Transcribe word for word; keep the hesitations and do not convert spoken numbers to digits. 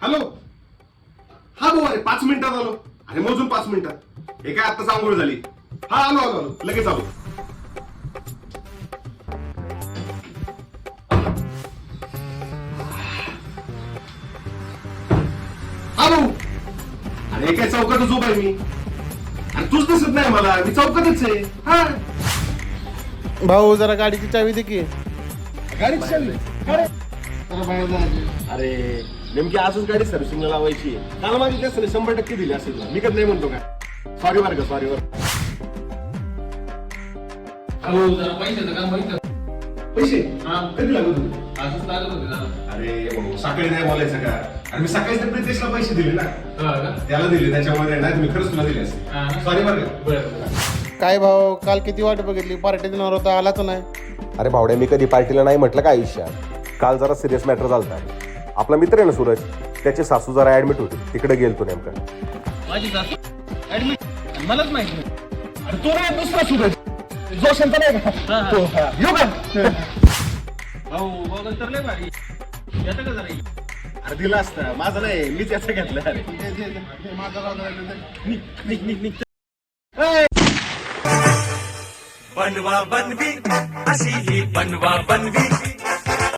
Hello. हा भाऊ, अरे पाच मिनिटात आलो. अरे मोजून पाच मिनिटात. हे काय आत्ताच आंघोळ झाली. हा आलो आलो आलो लगेच आलो. हा भाऊ. अरे काय चौकातच उभा आहे मी. अरे तूच दिसत नाही मला. मी चौकातच आहे. हा भाऊ जरा गाडीची चावी दे की. गाडीची चालली. अरे नेमकी आजच गाडी सर्व्हिसिंगला लावायची. काल माझी त्याच शंभर टक्के दिली असेल. मी कधी नाही म्हणतो का. सॉरी बरं का, सॉरी बरं. हो जरा पैशाचं काम बघितलं. पैसे हा कधी लागत होते? आजच लागत होते जरा. अरे भाऊ, सकाळी नाही बोलायचं का. आणि मी सकाळीच त्या प्रितेशला पैसे दिले ना. हा का? त्याला दिले, त्याच्यामध्ये नाही तुम्ही खरंच तुला दिले हा. असेल. सॉरी बरं का. बरं काय भाऊ, काल किती वाट बघितली, पार्टी देणार होता आलाच नाही. अरे भावड्या, मी कधी पार्टीला नाही म्हटलं का आयुष्यात. काल जरा सिरियस मॅटर झालता. आपला मित्र आहे ना सूरज, त्याची सासू जरा ऍडमिट होती, तिकडे गेलतो नेमकं. माझी सासू ऍडमिट, मलाच माहित नाही. अरे तो नाही दुसरा सूरज, जो शांत नाही का. तो, हा. येऊ का. भाऊ बघ तर लय भारी येतं का जरा. अरे दिला असता, माझं नाही, मीच याचं घेतलं. अरे निघ निघ निघ निघ. बनवा बनवी अशी ही बनवा बनवी